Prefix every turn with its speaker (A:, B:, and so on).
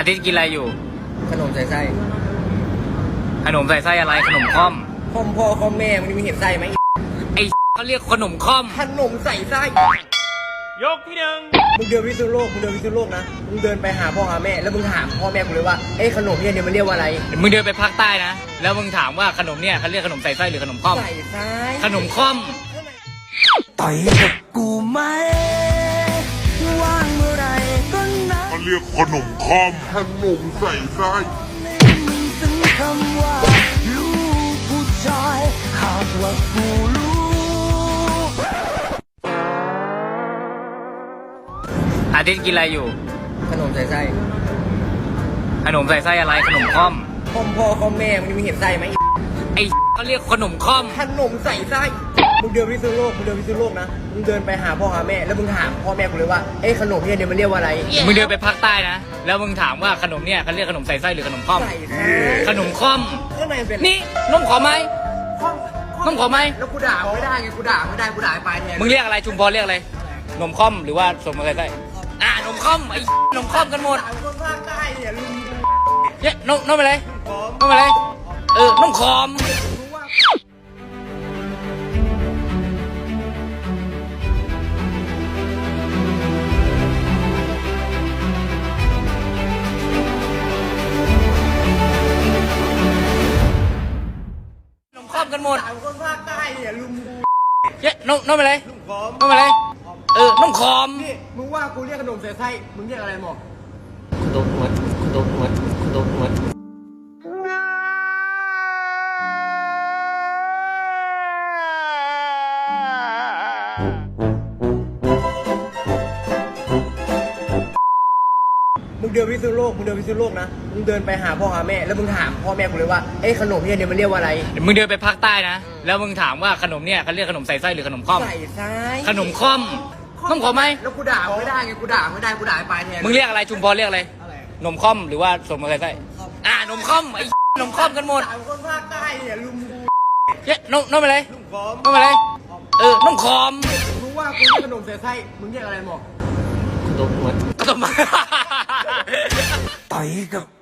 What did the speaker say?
A: ทิตย์กินอะไรอยู่
B: ขนมใส่ไส้
A: ขนมใส่ไส้อะไรขนมค่อม
B: ค่อมพ่อค่อมแม่มันมีเห็นไส้ไหม
A: ไอเขาเรียกขนมค่อม
B: ขนมใส่ไส้
A: ยกที่หนึ่ง
B: มึงเดินวิศวโลกนะมึงเดินไปหาพ่อหาแม่แล้วมึงถามพ่อแม่กูเลยว่าเอ้ขนมเนี่ยมันเรียกว่าอะไร
A: มึงเดินไปภาคใต้นะแล้วมึงถามว่าขนมเนี่ยเขาเรียกขนมใส่ไส้หรือขนมค่อม
B: ใส่ไส้
A: ขนมค่อม
B: ต่อยกับกูไหมว่างเมื่อไรก็นะ
C: เขาเรียกขนมค่อมขนมใส่ไส้
B: ซึ่งคำว่าลูกผู้ชายหากว่ากูรู้
A: อาทิตย์กินอะไรอยู่
B: ขนมใส่ไส้
A: ขนมใส่ไส้อะไรขนมค่อม
B: ค่อมพ่อค่อมแม่มันมีเห็นไส้ไหม
A: ไอเขาเรียกขนมค่อม
B: ขนมใส่ไส้มึงเดินวิศวโลกนะมึงเดินไปหาพ่อหาแม่แล้วมึงถามพ่อแม่กูเลยว่าเอ้ขนมเนี่ยมันเรียกว่าอะไร
A: มึงเดินไปภาคใต้นะแล้วมึงถามว่าขนมเนี่ยเขาเรียกขนมใส่ไส้หรือขนมค่อมขนมค่อม
B: ข้างในเป็น
A: นี่นมขอไหมนมขอไหม
B: แล้วกูด่าไม่ได้ไงกูด่าไม่ได้กูด่าไปแทน
A: มึงเรียกอะไรชุมพรเรียกอะไรนมค่อมหรือว่าสมใส่ไส้นมค่อมไอ้นมค่อมกันหมด
B: คนภาคใต้เนี่ยลุง
A: เนี่ยนมอะไรนมอะไรนมคอมกันหมด
B: คนภาคใต้เนี่ยลุง
A: เนี่ยนมอะไรนมอะไรนมคอม
B: นี่มึงว่ากูเรียกขนมใส่ไส้มึงเรียกอะไรหมอ
A: ขนมหมด
B: มึงเดินวิศวโลกนะมึงเดินไปหาพ่อหาแม่แล้วมึงถามพ่อแม่กูเลยว่าเอ้ขนมเนี่ยมันเรียกว่าอะไร
A: มึงเดินไปภาคใต้นะแล้วมึงถามว่าขนมเนี่ยเขาเรียกขนมใส่ไส้หรือขนมค่อม
B: ใส่ไส้
A: ขนมค่อมนมขอไหม
B: แล้วกูด่าไม่ได้ไงกูด่าไม่ได้กูด่าไปแทน
A: มึงเรียกอะไรชุมพรเรียกอะไรนมค่อมหรือว่าสมใส่ไส้นมค่อมไอ้นมค่อมกันหมด
B: คนภาคใต้เนี่ยลุง
A: เนี่ยนมอะไรนมอะไรนมคอม
B: มึงว่ากูเรียกขนมใส่ไส้มึงเรียกอะไรหมอ
A: ขนมหมด
B: ต่อยกับ